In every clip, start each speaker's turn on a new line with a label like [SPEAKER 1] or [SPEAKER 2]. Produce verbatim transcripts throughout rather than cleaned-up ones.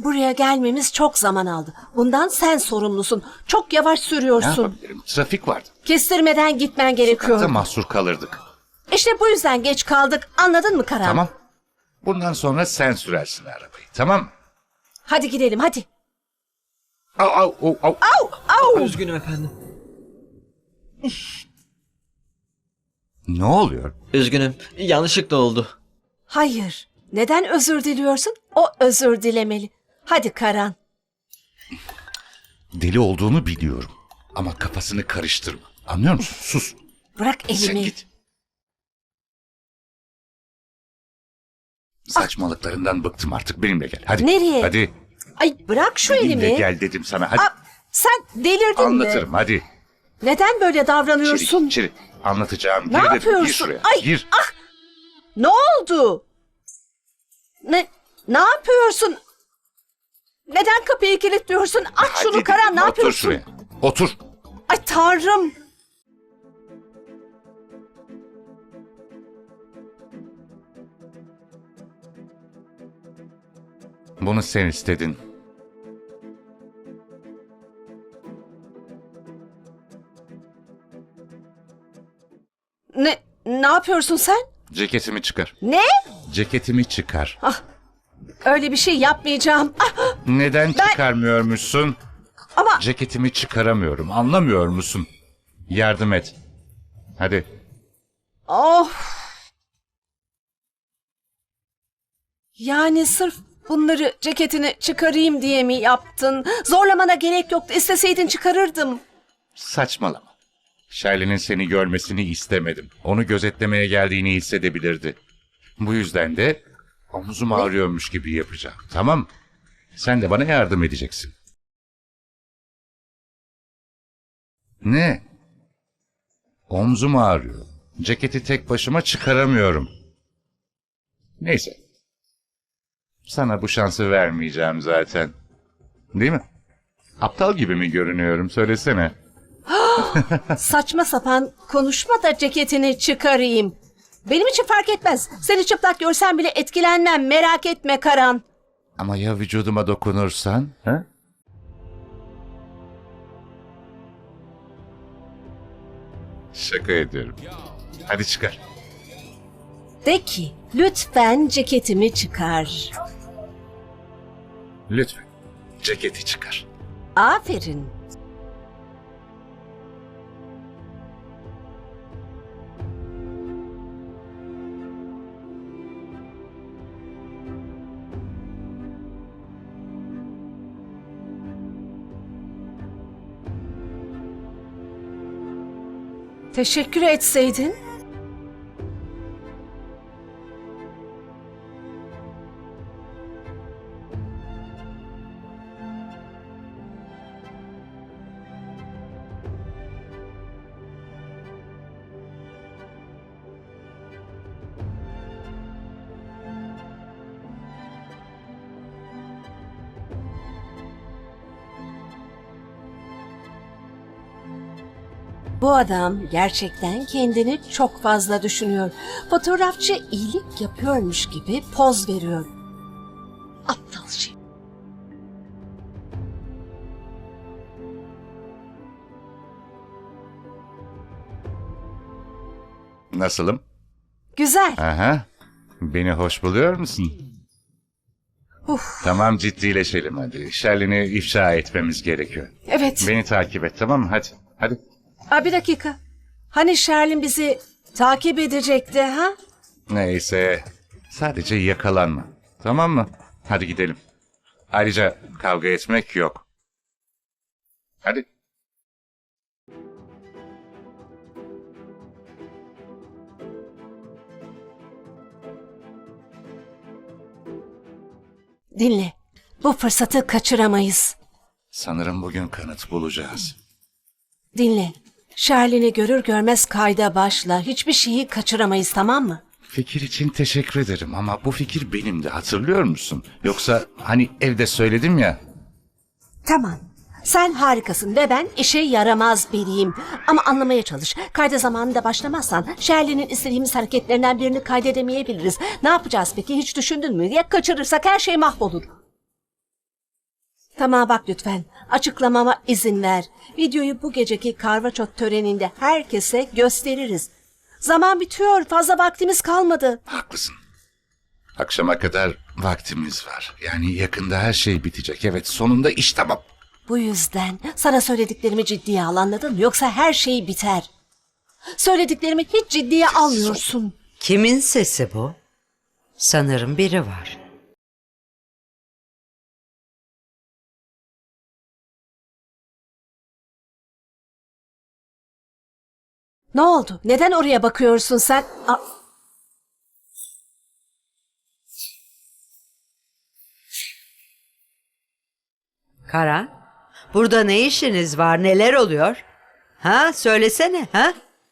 [SPEAKER 1] buraya gelmemiz çok zaman aldı. Bundan sen sorumlusun. Çok yavaş
[SPEAKER 2] Ne
[SPEAKER 1] sürüyorsun.
[SPEAKER 2] yapabilirim? Trafik vardı.
[SPEAKER 1] Kestirmeden gitmen
[SPEAKER 2] Sokakta
[SPEAKER 1] gerekiyor.
[SPEAKER 2] mahsur kalırdık.
[SPEAKER 1] İşte bu yüzden geç kaldık. Anladın mı Karan?
[SPEAKER 2] Tamam. Bundan sonra sen sürersin arabayı. Tamam.
[SPEAKER 1] Hadi gidelim hadi.
[SPEAKER 2] Au, au, au, au.
[SPEAKER 1] Au au.
[SPEAKER 3] Üzgünüm efendim.
[SPEAKER 2] Ne oluyor?
[SPEAKER 3] Üzgünüm. Yanlışlıkla oldu.
[SPEAKER 1] Hayır. Neden özür diliyorsun? O özür dilemeli. Hadi Karan.
[SPEAKER 2] Deli olduğunu biliyorum. Ama kafasını karıştırma. Anlıyor musun? Sus.
[SPEAKER 1] Bırak
[SPEAKER 2] Sen
[SPEAKER 1] elimi.
[SPEAKER 2] git. Saçmalıklarından bıktım artık. Benimle gel. Hadi.
[SPEAKER 1] Nereye?
[SPEAKER 2] Hadi.
[SPEAKER 1] Ay bırak şu
[SPEAKER 2] Benimle
[SPEAKER 1] elimi.
[SPEAKER 2] gel dedim sana. Hadi.
[SPEAKER 1] Aa, sen delirdin
[SPEAKER 2] Anlatırım.
[SPEAKER 1] mi?
[SPEAKER 2] Hadi.
[SPEAKER 1] Neden böyle
[SPEAKER 2] İçeri,
[SPEAKER 1] davranıyorsun?
[SPEAKER 2] içeri. Anlatacağım.
[SPEAKER 1] Ne
[SPEAKER 2] Gir dedim.
[SPEAKER 1] yapıyorsun?
[SPEAKER 2] Gir şuraya.
[SPEAKER 1] Ay,
[SPEAKER 2] Gir.
[SPEAKER 1] ah! Ne oldu? Ne ne yapıyorsun? Neden kapıyı kilitliyorsun? Aç
[SPEAKER 2] Hadi
[SPEAKER 1] şunu
[SPEAKER 2] dedim,
[SPEAKER 1] Karan, ne
[SPEAKER 2] Otur
[SPEAKER 1] yapıyorsun?
[SPEAKER 2] şuraya. Otur.
[SPEAKER 1] Ay Tanrım.
[SPEAKER 2] Bunu sen istedin.
[SPEAKER 1] Ne ne yapıyorsun sen?
[SPEAKER 2] Ceketimi çıkar.
[SPEAKER 1] Ne?
[SPEAKER 2] Ceketimi çıkar.
[SPEAKER 1] Öyle bir şey yapmayacağım. Ah,
[SPEAKER 2] Neden çıkarmıyormuşsun?
[SPEAKER 1] ama
[SPEAKER 2] Ceketimi çıkaramıyorum. Anlamıyor musun? Yardım et. Hadi.
[SPEAKER 1] of. Yani sırf bunları ceketini çıkarayım diye mi yaptın? Zorlamana gerek yoktu. İsteseydin çıkarırdım.
[SPEAKER 2] Saçmalama. Shirley'nin seni görmesini istemedim. Onu gözetlemeye geldiğini hissedebilirdi. Bu yüzden de omuzum ağrıyormuş gibi yapacağım. Tamam. Sen de bana yardım edeceksin. Ne? Omzum ağrıyor. Ceketi tek başıma çıkaramıyorum. Neyse. Sana bu şansı vermeyeceğim zaten. Değil mi? Aptal gibi mi görünüyorum? Söylesene.
[SPEAKER 1] Saçma sapan konuşma da ceketini çıkarayım. Benim için fark etmez. Seni çıplak görsem bile etkilenmem. Merak etme Karan.
[SPEAKER 2] Ama ya vücuduma dokunursan? Ha? Şaka ediyorum. Hadi çıkar.
[SPEAKER 1] De ki lütfen ceketimi çıkar.
[SPEAKER 2] Lütfen. Ceketi çıkar.
[SPEAKER 1] Aferin. Teşekkür etseydin. Bu adam gerçekten kendini çok fazla düşünüyor. Fotoğrafçı iyilik yapıyormuş gibi poz veriyor. Aptal şey.
[SPEAKER 2] Nasılım?
[SPEAKER 1] Güzel.
[SPEAKER 2] Aha. Beni hoş buluyor musun?
[SPEAKER 1] Uf,
[SPEAKER 2] Tamam, ciddileşelim hadi. Shirley'ni ifşa etmemiz gerekiyor.
[SPEAKER 1] evet.
[SPEAKER 2] Beni takip et, tamam mı? Hadi. Hadi.
[SPEAKER 1] Aa, bir dakika. Hani Sherlin bizi takip edecekti ha?
[SPEAKER 2] Neyse. Sadece yakalanma. Tamam mı? Hadi gidelim. Ayrıca kavga etmek yok. Hadi.
[SPEAKER 1] Dinle. Bu fırsatı kaçıramayız.
[SPEAKER 2] Sanırım bugün kanıt bulacağız.
[SPEAKER 1] Dinle. Sherlin'i görür görmez kayda başla. Hiçbir şeyi kaçıramayız, tamam mı?
[SPEAKER 2] Fikir için teşekkür ederim ama bu fikir benim de, hatırlıyor musun? Yoksa hani evde söyledim ya.
[SPEAKER 1] Tamam. Sen harikasın ve ben işe yaramaz biriyim. Ama anlamaya çalış. Kayda zamanında başlamazsan Sherlin'in istediğimiz hareketlerinden birini kaydedemeyebiliriz. Ne yapacağız peki, hiç düşündün mü? Ya kaçırırsak her şey mahvolur. Tamam bak lütfen. Açıklamama izin ver. Videoyu bu geceki karvaçot töreninde herkese gösteririz. Zaman bitiyor. Fazla vaktimiz kalmadı.
[SPEAKER 2] Haklısın. Akşama kadar vaktimiz var. Yani yakında her şey bitecek. Evet, sonunda iş tamam.
[SPEAKER 1] Bu yüzden sana söylediklerimi ciddiye al, anladın mı? Yoksa her şey biter. Söylediklerimi hiç ciddiye almıyorsun.
[SPEAKER 4] Kimin sesi bu? Sanırım biri var.
[SPEAKER 1] Ne oldu? Neden oraya bakıyorsun sen? A-
[SPEAKER 4] Karan, burada ne işiniz var? Neler oluyor? Ha, söylesene, ha?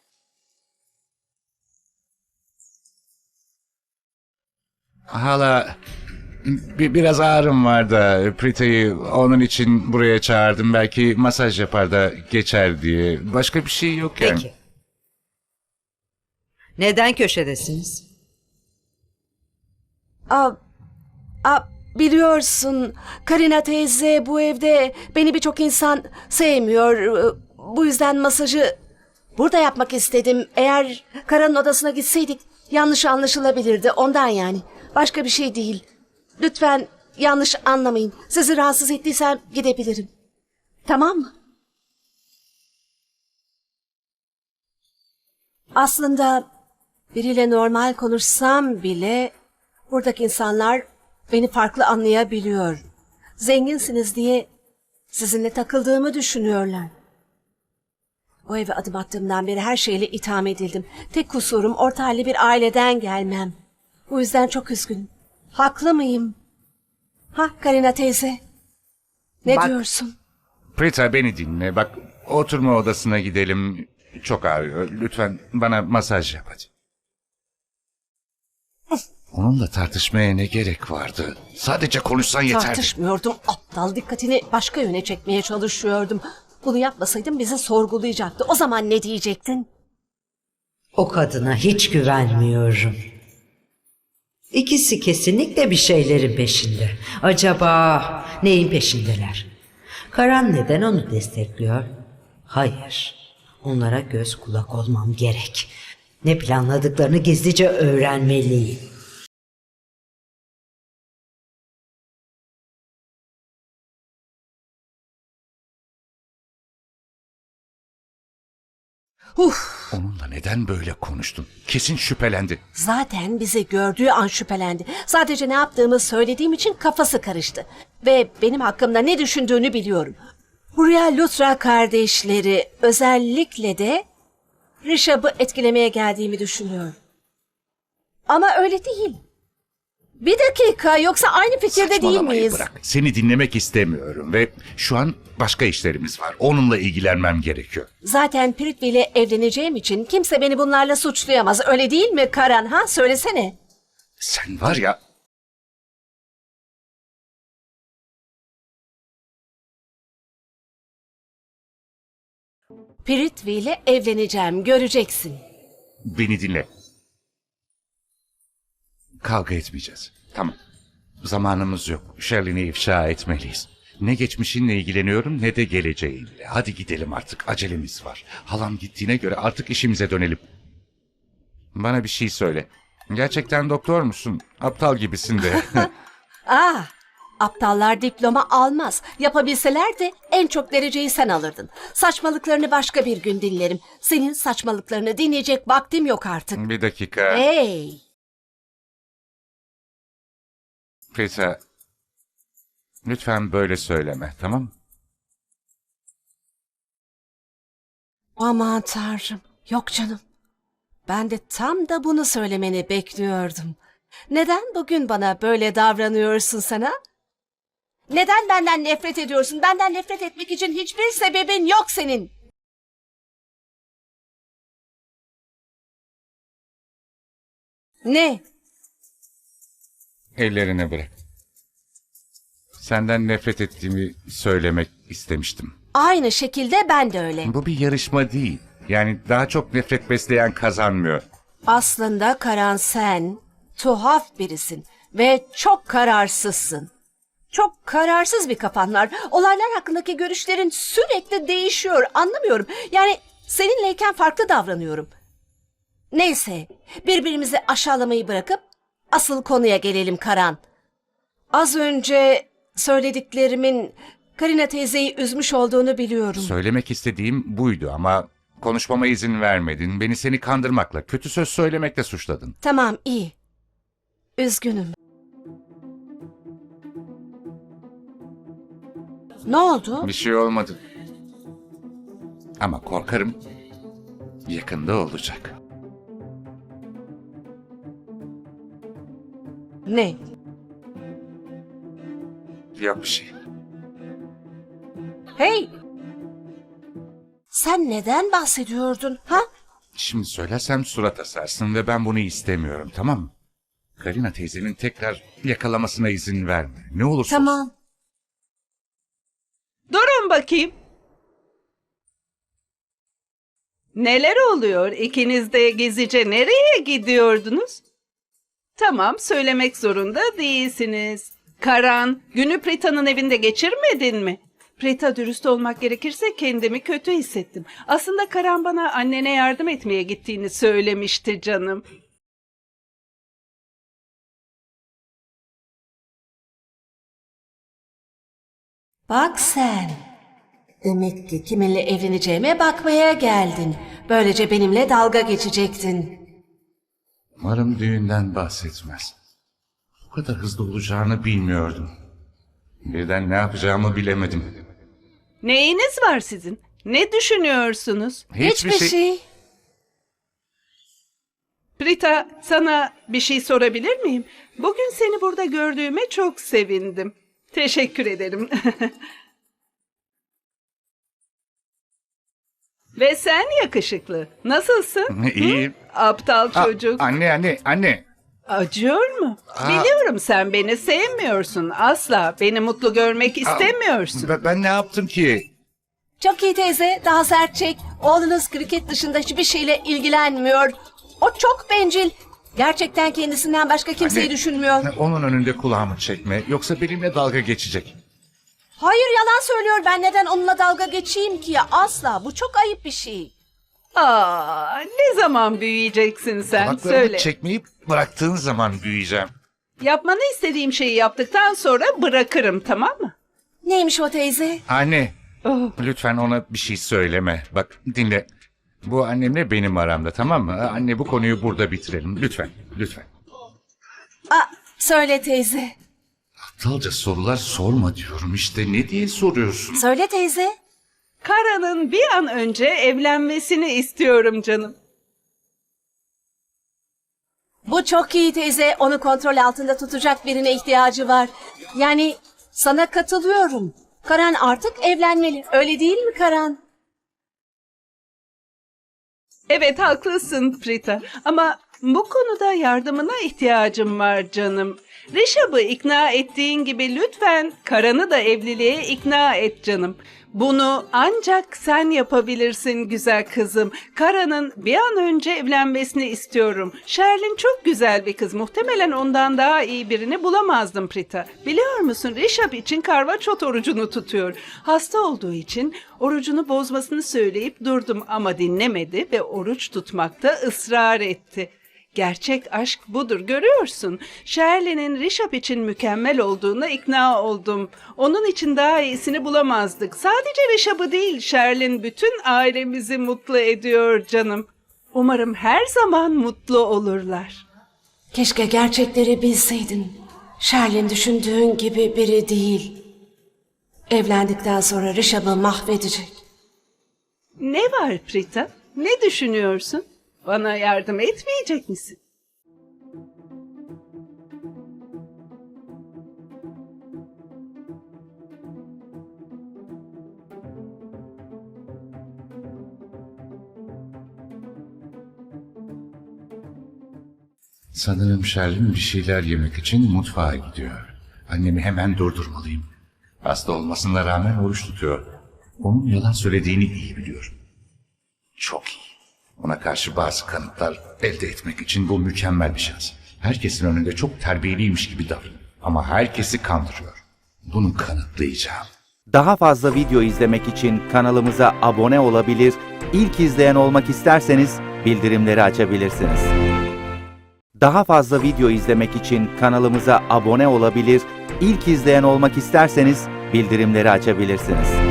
[SPEAKER 2] Hala bir, biraz ağrım var da Prita'yı onun için buraya çağırdım. Belki masaj yapar da geçer diye. Başka bir şey yok yani.
[SPEAKER 4] Peki. Neden köşedesiniz?
[SPEAKER 1] a- a- biliyorsun Karina teyze bu evde beni birçok insan sevmiyor. Bu yüzden masajı burada yapmak istedim. Eğer Karan'ın odasına gitseydik yanlış anlaşılabilirdi. Ondan yani. Başka bir şey değil. Lütfen yanlış anlamayın. Sizi rahatsız ettiysem gidebilirim. Tamam mı? Aslında biriyle normal konuşsam bile buradaki insanlar beni farklı anlayabiliyor. Zenginsiniz diye sizinle takıldığımı düşünüyorlar. O eve adım attığımdan beri her şeyle itham edildim. Tek kusurum orta halli bir aileden gelmem. Bu yüzden çok üzgünüm. Haklı mıyım? Ha Karina teyze? Ne
[SPEAKER 4] Bak-
[SPEAKER 1] diyorsun?
[SPEAKER 2] Prita beni dinle. Bak oturma odasına gidelim. Çok ağrıyor. Lütfen bana masaj yap hadi. Onunla tartışmaya ne gerek vardı? Sadece konuşsan yeterdi.
[SPEAKER 1] Tartışmıyordum. Aptal, dikkatini başka yöne çekmeye çalışıyordum. Bunu yapmasaydım bizi sorgulayacaktı. O zaman ne diyecektin?
[SPEAKER 4] O kadına hiç güvenmiyorum. İkisi kesinlikle bir şeylerin peşinde. Acaba neyin peşindeler? Karan neden onu destekliyor? Hayır. Onlara göz kulak olmam gerek. Ne planladıklarını gizlice öğrenmeliyim.
[SPEAKER 1] Uf,
[SPEAKER 2] Onunla neden böyle konuştun? Kesin şüphelendi.
[SPEAKER 1] zaten bizi gördüğü an şüphelendi. Sadece ne yaptığımı söylediğim için kafası karıştı. Ve benim hakkımda ne düşündüğünü biliyorum. Hurriya Lutra kardeşleri özellikle de Rishab'ı etkilemeye geldiğimi düşünüyor. Ama öyle değil. Bir dakika, yoksa aynı fikirde değil
[SPEAKER 2] Saçmalamayı
[SPEAKER 1] miyiz?
[SPEAKER 2] bırak. Seni dinlemek istemiyorum ve şu an başka işlerimiz var. Onunla ilgilenmem gerekiyor.
[SPEAKER 1] Zaten Prithvi ile evleneceğim için kimse beni bunlarla suçlayamaz. Öyle değil mi Karan? Ha, söylesene.
[SPEAKER 2] Sen var ya...
[SPEAKER 1] Prithvi ile evleneceğim, göreceksin.
[SPEAKER 2] Beni dinle. Kavga etmeyeceğiz. Tamam. Zamanımız yok. Shirley'ni ifşa etmeliyiz. Ne geçmişinle ilgileniyorum ne de geleceğinle. Hadi gidelim artık. Acelemiz var. Halam gittiğine göre artık işimize dönelim. Bana bir şey söyle. Gerçekten doktor musun? Aptal gibisin de.
[SPEAKER 1] Ah, aptallar diploma almaz. Yapabilseler de en çok dereceyi sen alırdın. Saçmalıklarını başka bir gün dinlerim. Senin saçmalıklarını dinleyecek vaktim yok artık.
[SPEAKER 2] Bir dakika.
[SPEAKER 1] Hey,
[SPEAKER 2] Prita, lütfen böyle söyleme, tamam mı?
[SPEAKER 1] aman tanrım. Yok canım. Ben de tam da bunu söylemeni bekliyordum. Neden bugün bana böyle davranıyorsun sana? Neden benden nefret ediyorsun? Benden nefret etmek için hiçbir sebebin yok senin. Ne?
[SPEAKER 2] Ellerini bırak. Senden nefret ettiğimi söylemek istemiştim.
[SPEAKER 1] Aynı şekilde ben de öyle.
[SPEAKER 2] Bu bir yarışma değil. Yani daha çok nefret besleyen kazanmıyor.
[SPEAKER 1] Aslında Karan, sen tuhaf birisin ve çok kararsızsın. Çok kararsız bir kafan var. Olaylar hakkındaki görüşlerin sürekli değişiyor. Anlamıyorum. Yani seninleyken farklı davranıyorum. Neyse, birbirimizi aşağılamayı bırakıp asıl konuya gelelim Karan. Az önce söylediklerimin Karina teyzeyi üzmüş olduğunu biliyorum.
[SPEAKER 2] Söylemek istediğim buydu ama konuşmama izin vermedin. Beni seni kandırmakla, kötü söz söylemekle suçladın.
[SPEAKER 1] Tamam, iyi. Üzgünüm. Ne oldu?
[SPEAKER 2] Bir şey olmadı. Ama korkarım yakında olacak.
[SPEAKER 1] Ne?
[SPEAKER 2] Yok bir şey.
[SPEAKER 1] Hey! Sen neden bahsediyordun, ha?
[SPEAKER 2] Şimdi söylersem surat asarsın ve ben bunu istemiyorum, tamam mı? Karina teyzenin tekrar yakalamasına izin verme. Ne olursa olsun.
[SPEAKER 1] Tamam.
[SPEAKER 5] Durun bakayım. Neler oluyor? İkiniz de gezice nereye gidiyordunuz? Tamam, söylemek zorunda değilsiniz. Karan, günü Prita'nın evinde geçirmedin mi? Prita, dürüst olmak gerekirse kendimi kötü hissettim. Aslında Karan bana annene yardım etmeye gittiğini söylemişti canım.
[SPEAKER 1] Bak sen. Demek ki kiminle evleneceğime bakmaya geldin. Böylece benimle dalga geçecektin.
[SPEAKER 2] Umarım düğünden bahsetmez. Bu kadar hızlı olacağını bilmiyordum. Birden ne yapacağımı bilemedim.
[SPEAKER 5] Neyiniz var sizin? Ne düşünüyorsunuz?
[SPEAKER 1] Hiçbir şey.
[SPEAKER 5] Prita, sana bir şey sorabilir miyim? Bugün seni burada gördüğüme çok sevindim. Teşekkür ederim. Ve sen yakışıklı. Nasılsın?
[SPEAKER 2] İyiyim.
[SPEAKER 5] Aptal
[SPEAKER 2] Aa,
[SPEAKER 5] çocuk.
[SPEAKER 2] anne anne anne.
[SPEAKER 5] Acıyor mu? Biliyorum, sen beni sevmiyorsun. Asla beni mutlu görmek istemiyorsun.
[SPEAKER 2] Ben, ben ne yaptım ki?
[SPEAKER 1] Çok iyi teyze, daha sert çek. Oğlunuz kriket dışında hiçbir şeyle ilgilenmiyor. O çok bencil. Gerçekten kendisinden başka kimseyi
[SPEAKER 2] Anne,
[SPEAKER 1] düşünmüyor.
[SPEAKER 2] Onun önünde kulağımı çekme. Yoksa benimle dalga geçecek.
[SPEAKER 1] Hayır, yalan söylüyor. Ben neden onunla dalga geçeyim ki ya? Asla. Bu çok ayıp bir şey.
[SPEAKER 5] Aa, ne zaman büyüyeceksin sen?
[SPEAKER 2] Kulaklarımı
[SPEAKER 5] Söyle.
[SPEAKER 2] çekmeyi bıraktığın zaman büyüyeceğim.
[SPEAKER 5] Yapmanı istediğim şeyi yaptıktan sonra bırakırım, tamam mı?
[SPEAKER 1] Neymiş o teyze?
[SPEAKER 2] Anne,
[SPEAKER 5] Oh.
[SPEAKER 2] lütfen ona bir şey söyleme. Bak dinle. Bu annemle benim aramda, tamam mı? Anne, bu konuyu burada bitirelim. Lütfen, lütfen.
[SPEAKER 1] Aa, söyle teyze.
[SPEAKER 2] Aptalca sorular sorma diyorum işte. Ne diye soruyorsun?
[SPEAKER 1] Söyle teyze.
[SPEAKER 5] Kara'nın bir an önce evlenmesini istiyorum canım.
[SPEAKER 1] Bu çok iyi teyze. Onu kontrol altında tutacak birine ihtiyacı var. Yani sana katılıyorum. Karan artık evlenmeli. Öyle değil mi Karan?
[SPEAKER 5] Evet, haklısın Prita, ama bu konuda yardımına ihtiyacım var canım. Rişab'ı ikna ettiğin gibi lütfen Karan'ı da evliliğe ikna et canım. Bunu ancak sen yapabilirsin güzel kızım. Karan'ın bir an önce evlenmesini istiyorum. Sherlin çok güzel bir kız. Muhtemelen ondan daha iyi birini bulamazdım Prita. Biliyor musun, Rişab için karvaçot orucunu tutuyor. Hasta olduğu için orucunu bozmasını söyleyip durdum ama dinlemedi ve oruç tutmakta ısrar etti. Gerçek aşk budur, görüyorsun. Shirley'nin Rişap için mükemmel olduğuna ikna oldum. Onun için daha iyisini bulamazdık. Sadece Rişap'ı değil, Shirley bütün ailemizi mutlu ediyor canım. Umarım her zaman mutlu olurlar.
[SPEAKER 1] Keşke gerçekleri bilseydin. Sherlin düşündüğün gibi biri değil. Evlendikten sonra Rişab'ı mahvedecek.
[SPEAKER 5] Ne var Prita? Ne düşünüyorsun? Bana yardım etmeyecek misin?
[SPEAKER 2] Sanırım Sherlin bir şeyler yemek için mutfağa gidiyor. Annemi hemen durdurmalıyım. Hasta olmasına rağmen oruç tutuyor. Onun yalan söylediğini iyi biliyorum. Çok iyi. Ona karşı bazı kanıtlar elde etmek için bu mükemmel bir şans. Herkesin önünde çok terbiyeliymiş gibi davranıyor. Ama herkesi kandırıyor. Bunu kanıtlayacağım.
[SPEAKER 6] Daha fazla video izlemek için kanalımıza abone olabilir, ilk izleyen olmak isterseniz bildirimleri açabilirsiniz. Daha fazla video izlemek için kanalımıza abone olabilir, ilk izleyen olmak isterseniz bildirimleri açabilirsiniz.